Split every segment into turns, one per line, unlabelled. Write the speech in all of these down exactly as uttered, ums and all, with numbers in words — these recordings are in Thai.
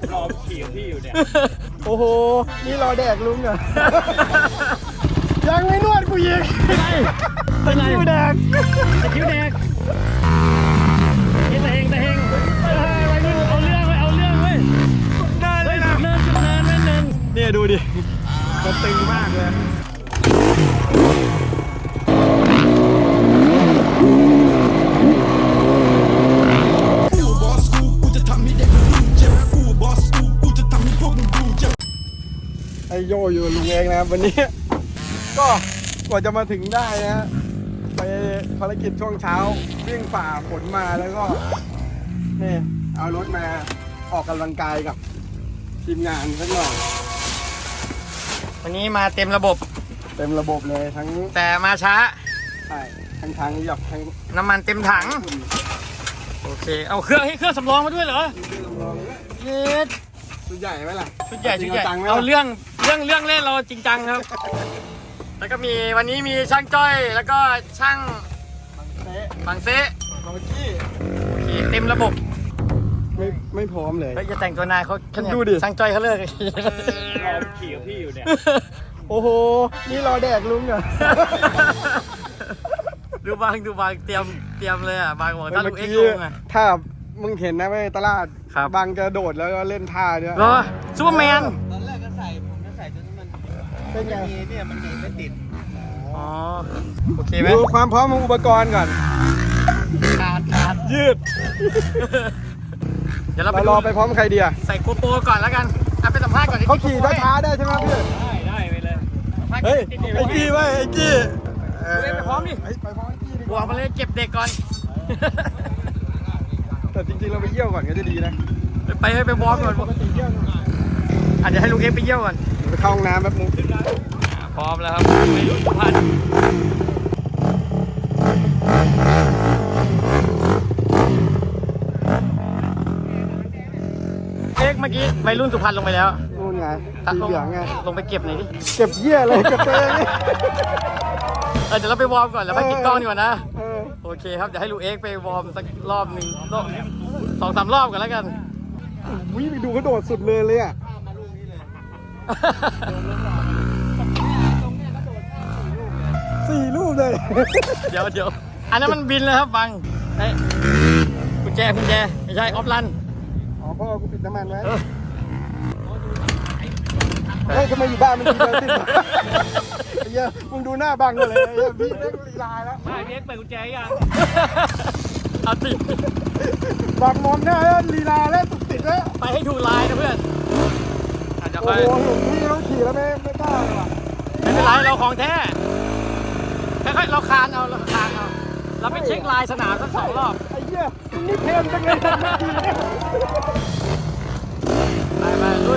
รอขี่กับพี่อยู่เนี่ย
โอ้โหนี่รอแดกลุงเหรอยังไม่นวดกูยิงตะคิวแดกตะคิวแดกนี่ตะเฮงตะเฮงเอาเรื่องไว้เอาเรื่องไว้เนินเลยนะเนินจุดเนินเนินเนินเนี่ยดูดิมันตึงมากเลยไอโยอยู่ลุงเองนะครับวันนี้ก็กว่าจะมาถึงได้นะไปภารกิจช่วงเช้าวิ่งฝ่าฝนมาแล้วก็นี่เอารถมาออกกำลังกายกับทีมงานสักหน่อยวันนี้มาเต็มระบบเต็มระบบเลยทั้งแต่มาช้าใช่ทั้งทางหยับทั้งน้ำมันเต็มถังโอเคเอาเครื่องให้เครื่องสำรองมาด้วยเหรอเย็ดชุดใหญ่ไหมล่ะชุดใหญ่ชุดใหญ่เอาเรื่องเรื่องเรื่องเล่นเราจริงจังครับแล้วก็มีวันนี้มีช่างจ้อยแล้วก็ช่างบังเซ่บังกี้โอเคเต็มระบบไม่ไม่พร้อมเลยจะแต่งตัวนายเขาดูดิช่างจ้อยเขาเลิกรอ
ขี่กับพี่อยู่เนี่ย
โอ้โหนี่รอแดกลุงเหรอ
ดูบางดูบางเตรียมเตรียมเลยอ่ะบางบอกถ้าลูกเอ็กซ์ลงอ่ะ
ถ้ามึงเห็นนะไม่ตลาดบางจะโดดแล้วก็เล่นท่าเนี่ย
รอซูเปอร์แมน
ตอนแรกก็ใส่ผมก็ใส่จนมันเป็นไงเนี่ยมันหนีไม่ติด
อ๋อโอเคไหม
ดูความพร้อมของอุปกรณ์ก่อน
ขาดขาด
ยืด
เดี๋ยวเราไป
รอไปพร้อมใครดีอะ
ใส่โกโปรก่อนแล้วกันอ่ะไปสัมภาษณ์ก่อน
เขาขี่ช้าๆได้ใช่ไหมพี่
ได้ได้ไปเลย
เฮ้ยไอ้กี้ไว้ไอ้กี้
ไปพร้อมดิ
ไปพร้อมไอ้กี้ดิ
บวกมาเลยเก็บเด็กก่อน
แต่จริงๆเราไปเยี่ยวก่อนก็จะดีนะ
ไปให้ไปวอร์มก่อนอาจจะให้ลุงเอ็กซ์ไปเยี่ยวก่อน
ไปเข้าห้องน้ำแป๊บนึง
พร้อมแล้วครับไปรุ่นสุพรรณเอ็กซ์เมื่อกี้ไปรุ่นสุพรรณลงไปแล้ว
นู่นไงสีเหลืองไง
ลงไปเก็บหน่อยดิ
เก็บเยี่ยเลยเก็บเอง
เออเดี๋ยวเราไปวอร์มก่อนแล้วไปกินกล้องดีกว่านะโอเคครับเดี๋ยวให้ลุงเอ็กซ์ไปวอร์มสักรอบหนึ่งสองสามรอบกันแล้วกัน
วิ่งไปดูเขาโดดสุดเลยเลยอ่ะสี่ลูกเลย
เดี๋ยวเดี๋ยวอันนั้นมันบินเลยครับบังไอ้กุญแจกุญแจไม่ใช่ออฟลัน
อ๋อพ่อกูปิดน้ำมันไว้เฮ้ยทำไมอยู่บ้านมันกินเบอร์ติดไอ้เหี้ยมึงดูหน้าบังเลยไอ้เหี้ยพี่เล็กลีลาแล้ว
ไม่เล็กเปิดกุญแจยัง
เอาติด
บังมองหน้าแล้วลีลาแล้วตุกติดแล้ว
ไปให้ถูกลายนะเพื่อนอาจจะไป
โอ้โหเห็นพี่เขาขี่แล้วไม่ไม่กล้าเลยว่ะ
ไม่เป็นไรเราของแท้ค่อยๆเราคานเอาเราคานเอาเราไปเช็คลายสนามสักสองรอบ
ไอ้เหี้ยนี่เทมจังเลย
ไปไปลุย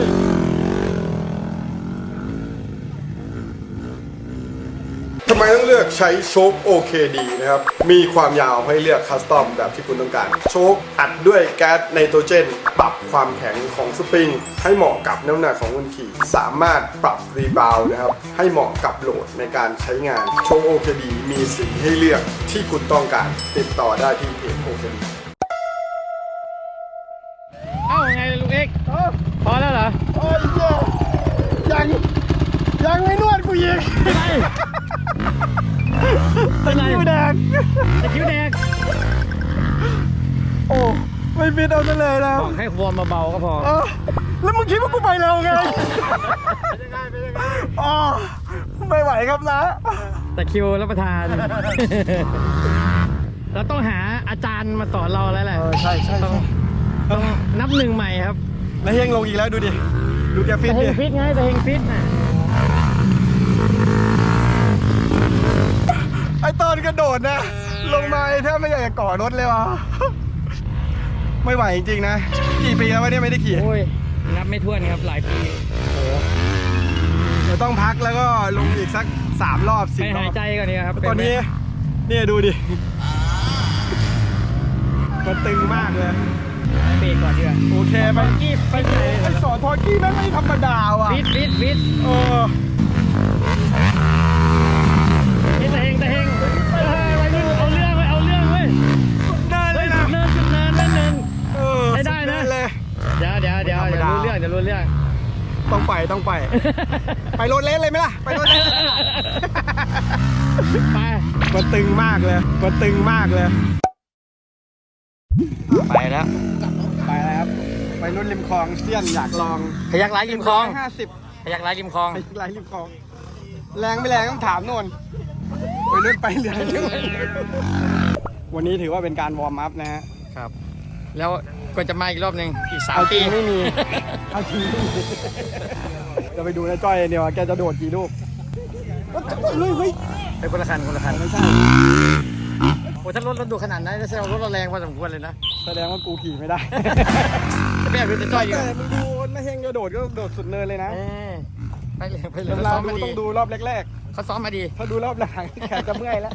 ทำไมต้องเลือกใช้โชค โอ เค ดี นะครับมีความยาวให้เลือกคัสตอมแบบที่คุณต้องการโชคอัดด้วยแก๊สไนโตรเจนปรับความแข็งของสปริงให้เหมาะกับน้ำหนักของคนขี่สามารถปรับรีบาวด์นะครับให้เหมาะกับโหลดในการใช้งานโชค โอ เค ดี มีสีให้เลือกที่คุณต้องการติดต่อได้ที่เพจ โอ เค ดี
เอ้าไงลุงเอ็กพอแล้วเหรอ
โอ้ยยังยังไม่นวดกูยิงตะคิวแดง
ตะคิวแดง
โอ้ไม่ฟิตเอาซะเลยนะ
บอกให้วอร์มเบาๆก็พอ
แล้วมึงคิดว่ากูไปเร็วไงอ๋อไม่ไหวครับนะ
ตะคิวรับประทานเราต้องหาอาจารย์มาสอนเราแล้วแหละ
ใช่ใช่
ต้องต้องนับหนึ่งใหม่ครับ
แล้วเฮงลงอีกแล้วดูดิดูแกฟิต
ดิเฮงฟิตไงแต่เฮงฟิตน่ะ
ไอตอนกระโดดนะลงมาแทบไม่อยากจะก่อรถเลยวะไม่ไหวจริงๆนะกี่ปีแล้ววะเนี่ยไม่ได้ขี่
โอ้ยนับไม่ถ้วนครับหลายปีโอ้
เดี๋ยวต้องพักแล้วก็ลงอีกสักสามรอบสิบรอบ
ไปหายใจก่อนดีครับ
ตอนนี้เนี่ยดูดิมันตึงมากเลย
เบรกก่อนดีกว่า
โอเคไป
กี้ไปไหน
ไปสอนพอกี้แม่งไม่ธรรมดาว่ะ
ฟิตฟิตฟิต
เออ
นี่ตะเฮงตะเฮงเอาเรื่องไว้เอาเรื่องไว้
เนินเลยนะ
เนินจุดเนินเนินเนิน
เออ
ได้ได้นะ
เลย
เดี๋ยวเดี๋ยวเดี๋ยวเดี๋ยวรู้เรื่องจะรู้เรื่อง
ต้องไปต้องไป ไปโรถเลสเลยไหมล่ะ ไปโรถเลส
ไป
มันตึงมากเลยมันตึงมากเลย
ไปแล้ว
ไปแล้วครับ ไปรุ่นริมคลองเซียนอยากลอง
พยักร้ายริมคลอง
ห้าสิบ
พยักร้ายริมคลอง
ไปไล่ริมคลอง แรงไม่แรงต้องถามโน่นไปรุ่นไปเรื่อยวันนี้ถือว่าเป็นการวอร์มอัพนะฮะ
ครับ แล้วก็จะมาอีกรอบหนึ่งอีกสาม
เอาจ
ปี
ริงไม่มี เอาจริงไม่มีจะไปดูนะจ้อยเดียวว่าแกจะโดดกี่ลูกเฮ้ยเฮ้ย
ไปคนละคันคนละคัน
ไม่ใช่
โอ้ถ้ารถรถดูขนาดนั้นแสดงว่ารถเราแรงพอสมควรเลยนะ
แสดงว่ากูขี่ไม่ได้
จะไม่อยากเป็นจะจ้อยอยู่
แต่มึงดูไม่เฮงจะโดดก็โดดสุดเนินเลยนะ
เออไปเลยไปเลย
เว
เขา
ลา
ซ้อม
ดู
มาดี
ต้องดูรอบแรก
เขาซ้อมมาดี
ๆ ถ้าดูรอบหลังแขนจะเมื่อยแล้ว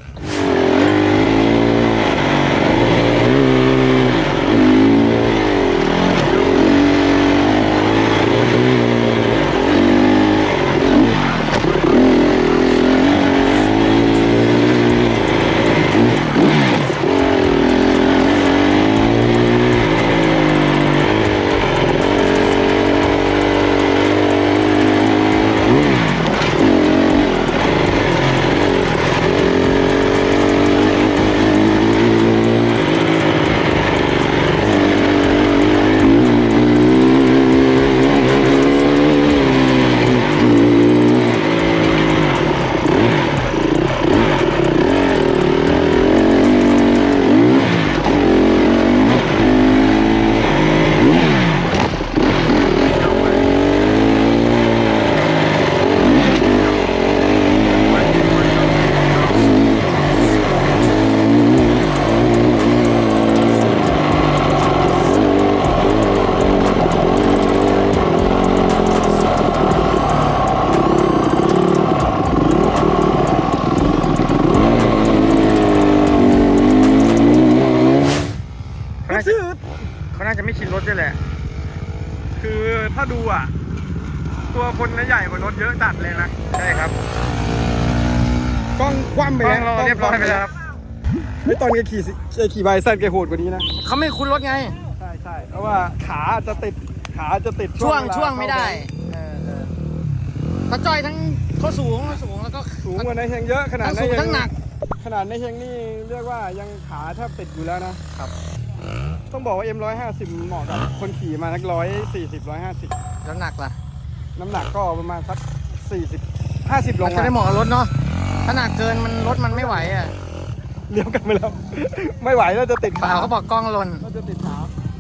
เขาน่าจะเขาน่าจะไม่ชินรถด้วยแหละ
คือถ้าดูอ่ะ ตัวคนน่ะใหญ่กว่ารถเยอะจัดเลยนะ
ใช่ครับ
กล้องคว่ำไป
กล้
แล้
อง
ว
เราเรียบร้อยไปแล้วครับ
ไม่ตอนแกขี่สิแกขี่ไบเซนแกโหดกว่านี้นะ
เขาไม่คุ้นรถไง
ใช่ใช่เพราะว่าขาจะติดขาจะติด
ช่วง
เา
ช่วงไม่ได้
เข้า
เออเออเขาจ้อยทั้งเขาสูงเขาสูงแล้วก็
สูงกว่าในเฮงเยอะขนาด
ทั้ง
ใน
สูง
เฮ
ทั้
ง
งหนัก
ขนาดในเฮงนี่เรียกว่ายังขาแทบติดอยู่แล้วนะครับ ต้องบอกว่า เอ็ม หนึ่งร้อยห้าสิบ เหมาะกับคนขี่มานักร้อยสี่สิบร้อยห้าสิบ
แล้วหนักล่ะ
น้ำหนักก็ประมาณสักสี่สิบห้าสิบล
มั
ง
นจะได้เหมาะกับรถเนาะถ้าหนักเกินมันรถมันไม่ไหวอ่ะ
เลี้ยวกลันไปแล้ว ไม่ไหวแล้วจะติด
เปล่าเขาบอกกล้องหล่น
ก็จะติดขา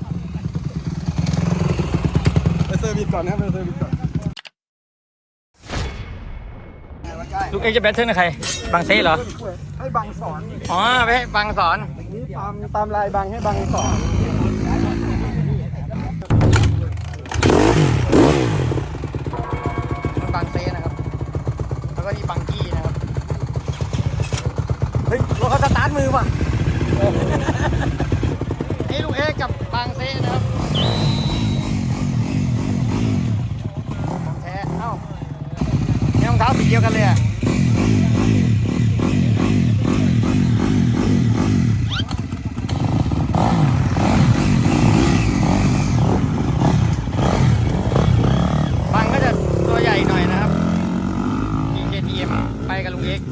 ไปเซอร์วิสก่อนนะครับไปเซอร์วิสก่อน
ลูกเอ็กจะแบทเทิลกับใครบางเซ่เหรอ
ให้บังสอน
อ๋อไปให้บางสอน
นี่ตามตามลายบังให้บังสอน
บางเซ่นะครับ แล้วก็นี่บางกี้นะครับ เฮ้ยรถเขาสตาร์ทมือป่ะนี่ลูกเอ็กกับบางเซ่นะครับของแท้เอ้าเนี่ยรองเท้าสีเดียวกันเลยอ่ะบางก็จะตัวใหญ่หน่อยนะครับ เค ที เอ็ม ไปกับลุงเอ็ก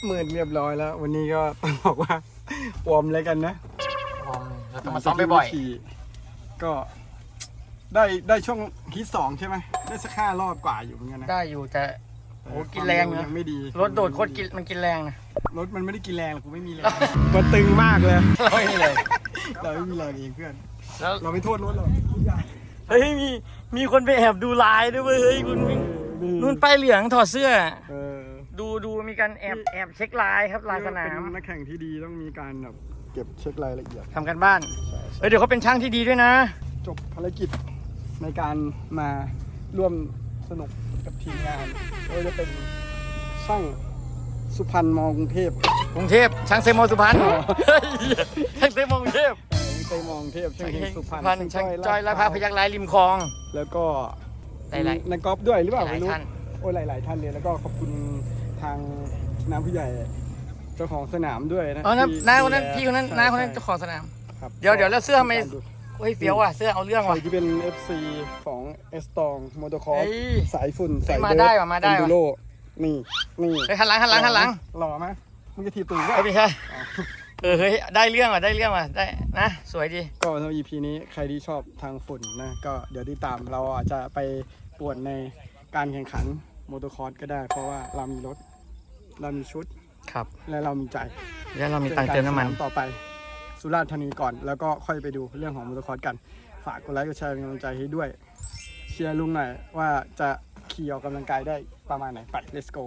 มืดเรียบร้อยแล้ว วันนี้ก็ต้องบอกว่าวอร์มเลยกันนะ
เราต้องมาซ้อมบ่อย
ขี่ก็ได้ได้ช่วงฮิตสองใช่ไหมได้สักห้ารอบกว่าอยู่เหมือนกันนะ
ๆได้อยู่แต่โอ้กินแรงนะ
ยังไม่ดี
รถโดดโคตรกินมันกินแรงนะ
รถมันไม่ได้กินแรงหรอกกูไม่มีแรงมันตึงมากเลย
เราไม่มีเลย
เราไม่มีแรงเองเพื่อน
แล้ว
เราไม่โทษรถหรอก
เฮ้ยมีมีคนไปแอบดูลายด้วยเว้ยเฮ้ยคุณนู่นป้ายเหลืองถอดเสื้อ
เออ
ดูดูมีการแอบแอบเช็คลายครับลายสนาม
เป็นนักแข่งที่ดีต้องมีการแบบเก็บเช็ครายละเอียด
ทำกันบ้านเฮ้ยเดี๋ยวเขาเป็นช่างที่ดีด้วยนะ
จบภารกิจในการมาร่วมสนุกกับทีมงานก็จะเป็นช่างสุพรรณมอกรุงเทพ
กรุงเทพช่างเซมอสุพรรณ
อ๋อ
เฮ้ยช่างเซมอกรุงเทพ
ไปมองเทพช่างเฮงสุพรรณ
พรรณช่างจ้อยและพระพยักร้ายริมคลอง
แล้วก็
หลายๆ
นักกอล์ฟด้วยหรือเปล่า
หลาย
ไม่รู้
ท่าน
โอ้ยหลาย ๆ ท่านเลยแล้วก็ขอบคุณทางน้ำผู้ใหญ่เจ้าของสนามด้วยนะ
อ๋อนะ
ที่
น้าคนนั้น
ดูแล
พี่คนนั้น
ใช่
น้าคนนั้น
ใช่
เจ้าของสนาม
ครับ
เดี๋ยวเดี๋ยวแล้วเสื้อทำไม
การดู
เฮ้ยเฟี้ยวว่ะเสื้อเอาเรื่อง
ใคร
ว่ะ
ที่เป็น เอฟ ซี ของเอสตองมอเตอร์คอร์
เฮ้ย
สายฝุ่นสาย
มา
เดิร์
ได้ว่ะมาได้ว่ะ
เอนดูโรนี่นี่
เฮ้ยหันหลังหันหลังหันหลัง
หล่อไหมมึงจะถีบตูดก็
เอ้ยไม่ใช่ เออเฮ้ยได้เรื่องว่ะได้เรื่องว่ะได้นะสวยดี
ก็สำหรับ อี พี นี้ใครที่ชอบทางฝุ่นนะก็เดี๋ยวติดตามเราอาจจะไปป่วนในการแข่งขันมอเตอร์คอร์สก็ได้ เพราะว่าเรามีรถเรามีชุด
ครับ
และเรามีใจ
แล้วเรามีตังค์เติมน้ำมัน
จอกัสาต่อไปสุราษฎร์ธานีก่อน แล้วก็ค่อยไปดูเรื่องของมอเตอร์คอร์สกัน ฝากกดไลค์กดแชร์เป็นกำลังใจให้ด้วย เชียร์ลุงหน่อยว่าจะขี่ออกกำลังกายได้ประมาณไหนไป let's go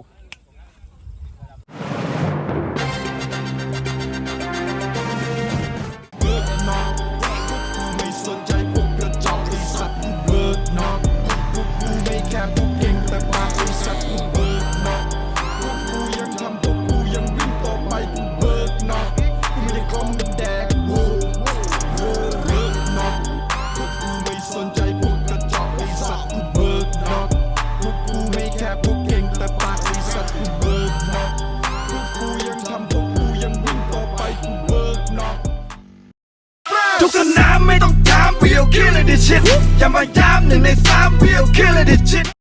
ไม่สนใจพวกกระจอกไอสัตว์กูเบิกนอกพวกกูไม่แค่พวกเก่งแต่ปากไอสัตว์กูเบิกนอกพวกกูยังทำพวกกูยังวิ่งต่อไปกูเบิกนอกกูไม่ได้คอมเป็นแดกโว้โว้เบิกนอกพวกกูไม่สนใจพวกกระจอกไอสัตว์กูเบิกนอกพวกกูไม่แค่พวกเก่งแต่ปากไอสัตว์กูเบิกนอกพวกกูยังทำพวกกูยังวิ่งต่อไปกูเบิกนอกทุกสนามไม่ต้องถาม we'll kill it this shit อย่ามาย้ำหนึ่งในสาม we'll kill it this shit